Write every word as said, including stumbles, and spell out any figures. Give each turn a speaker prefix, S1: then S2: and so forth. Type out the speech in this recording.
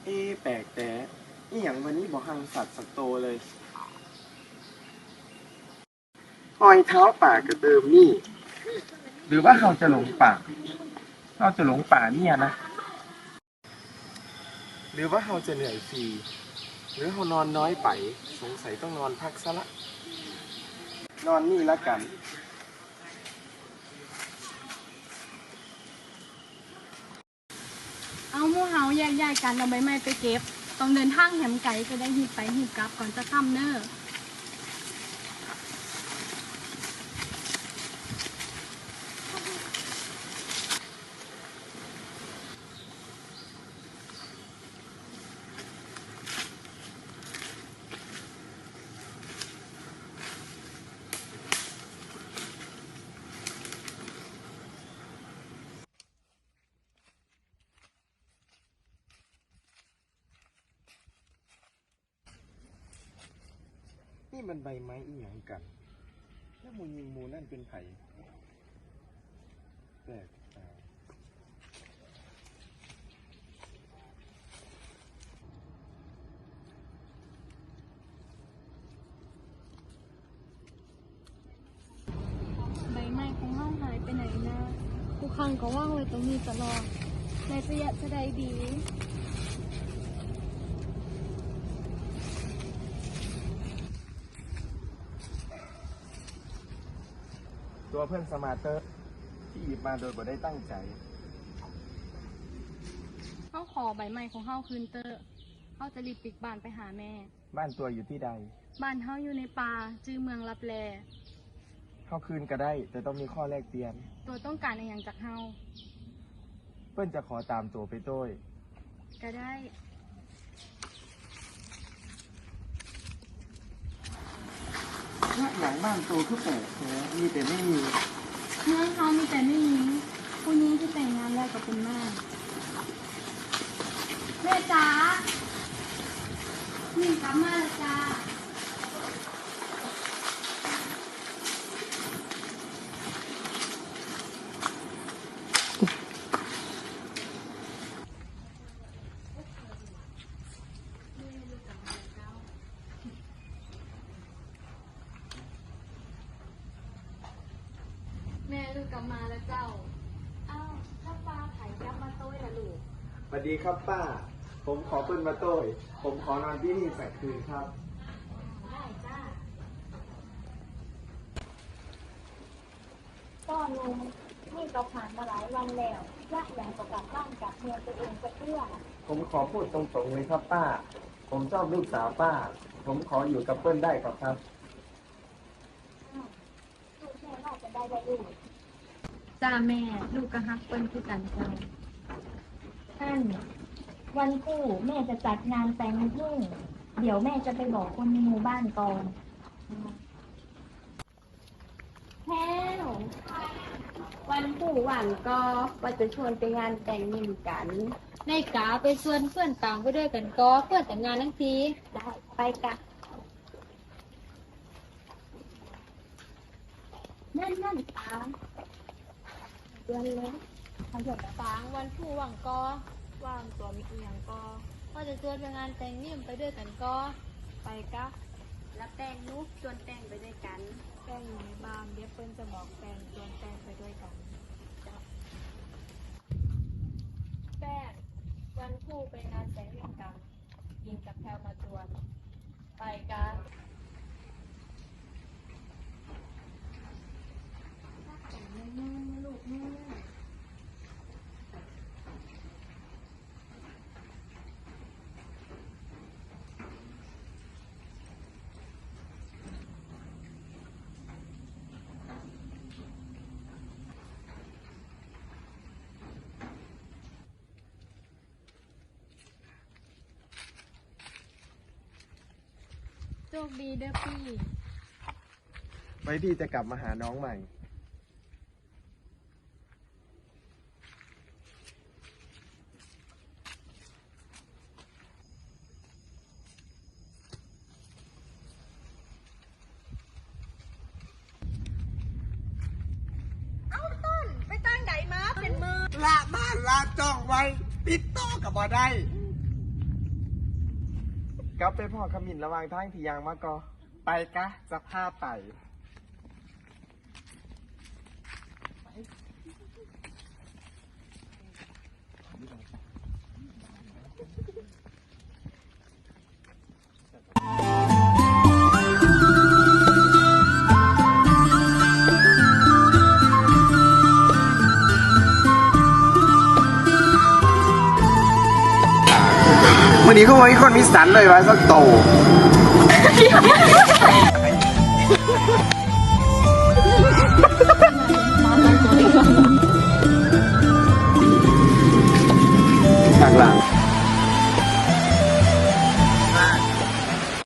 S1: เอ๊ะแปลกแต่อีหยังวันนี้บอกหังสัตว์สักโตเลยรอยเท้าป่ากระเดิมนี่ หรือว่าเราจะหลงป่าเราจะหลงป่าเนี่ยนะ หรือว่าเราจะเหนื่อยฟรีหรือเรานอนน้อยไปสงสัยต้องนอนพักซะละ นอนนี่ละกัน
S2: เอาหมู่เฮาแยกย้ายกันเอาใบไม้ไปเก็บต้องเดินทางแหมไกลจะได้หีบไปหีบกลับก่อนจะค่ำเน้อ
S1: นี่มันใบไม้อีหยังกัน แล้วมูยิงมูนั่นเป็นไผ่แปลกตา
S2: ใบไม้ของเฮาหายไปไหนนะทุกครั้งก็ว่างไว้ตรงนี้ตลอดในระยะจะได้ดี
S1: ตัวเพื่อนสมาร์เตอร์ที่หยิบมาโดยบ่ได้ตั้งใจ
S2: เฮาขอใบไม้ของเฮาคืนเตอร์เฮาจะรีบปิกบ้านไปหาแม่
S1: บ้านตัวอยู่ที่ใด
S2: บ้านเฮาอยู่ในป่าจื้อเมืองลับแล
S1: เข้าคืนก็ได้ แต่ต้องมีข้อแลกเปลี่ยน
S2: ตัวต้องการอะไรอย่างจากเฮา
S1: เพื่อนจะขอตามตัวไปโต้ย
S2: ก็ได้
S1: ถ้าอย่างบ้านตัวคือแปลกแท้มีแต่ไม่มี
S2: เมืองเขามีแต่ไม่หญิงผู้หญิงที่แต่งงานแล้วกับเป็นแม่แม่จ๋าหนึ่งกลับมาแล้วจ้าแม่ลูกกลับมาแล้วเจ้าอ้าวถ้าปลาไถ่ยับมาโต้ยละลูก
S1: สวัสดีครับป้า ผมขอเปิ้นมาโต้ย ผมขอนอนที่นี่สักคืนครับ
S2: ได้จ้า
S3: ก็ลุงนี่ก็ผ่านมาหลายวันแล้วยากอย่างกับกลับบ้านกลับเมืองตัวเองจะเพื่อ
S1: ผมขอพูดตรงๆเลยครับป้า ผมชอบลูกสาวป้า ผมขออยู่กับเปิ้ลได้ครับครับ
S3: ลูกแม่ว่าจะได้ได้ลูก
S2: จ้าแม่ลูกก็ฮักเปิ้ลคือกันจ้า
S3: ท่านวันคู่แม่จะจัดงานแต่งพึ่งเดี๋ยวแม่จะไปบอกคนในหมู่บ้านก่อนแพ้ววันคู่หวันก็ว่าจะชวนไปงานแต่งนิ่มกัน
S2: ในกาไปชวนเพื่อนต่างไปด้วยกันก็เพื่อนแต่งงานทั้งที
S3: ได้ไปกันนั่นนั่นตามเดือนเลยขยับ
S2: ฟางวันผู้หวังก็ว่างตัวมีอีหยังก็ก็จะชวนไปงานแต่งนิ่มไปด้วยกันก็ไปกะ
S3: แล้วแป้งนุ๊กชวนแป้งไปด้วยกัน
S2: แป้งอยู่ในบ้านเดี๋ยวเปิ้ลจะบอกแป้งชวนแป้งไปด้วยกันแป้งวันผู้ไปงานแต่งนิ่มกันยิงกับแพลวมาชวนไปกะลูกแม่ โชคดีเด้อพี่
S1: ไว้พี่จะกลับมาหาน้องใหม่
S4: ละบ้านละจ้องไว้ ปิดต่อกับบ่ได้
S1: กลับไปพ่อขมิ้นระหวางทางที่ยางมาก็ไปกะจะพาไป วันนี้ก็ไว้คนมีสันเลยวะสักโต